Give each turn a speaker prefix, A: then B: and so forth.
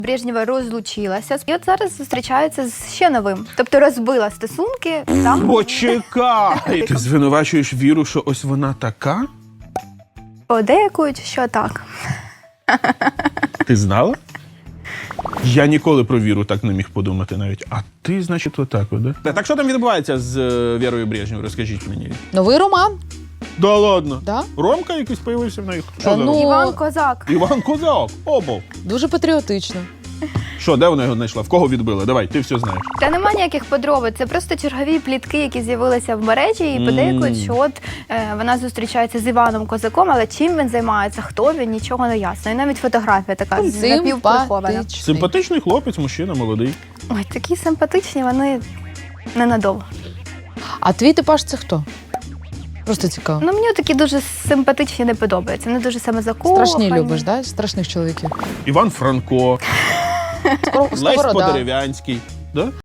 A: Брежнєва розлучилася і от зараз зустрічається з ще новим. Тобто розбила стосунки там.
B: Почекай! Ти звинувачуєш Віру, що ось вона така?
A: Подейкують, що так.
B: Ти знала? Я ніколи про Віру так не міг подумати навіть. А ти, значить, отак, да? Так що там відбувається з Вірою Брежнєв? Розкажіть мені.
C: Новий роман.
B: Да ладно?
C: Да?
B: Ромка якийсь появився в них? Що за
C: Ну,
B: Ромка?
A: Іван Козак.
B: Іван Козак. Обов.
C: Дуже патріотично.
B: Що, де вона його знайшла? В кого відбила? Давай, ти все знаєш.
A: Та нема ніяких подробиць, це просто чергові плітки, які з'явилися в мережі, і подейкують, що от вона зустрічається з Іваном Козаком, але чим він займається, хто він, нічого не ясно. І навіть фотографія така напівприхована.
C: Симпатичний.
B: Симпатичний хлопець, мужчина, молодий.
A: Ой, такі симпатичні, вони ненадовго.
C: А твій типаж це хто? Просто цікаво.
A: Ну, мені такі дуже симпатичні не подобаються. Вони дуже самозакохані.
C: Страшні любиш, да? Страшних чоловіків.
B: Іван Франко, Лесь
C: Сковорода.
B: Подерев'янський. Да?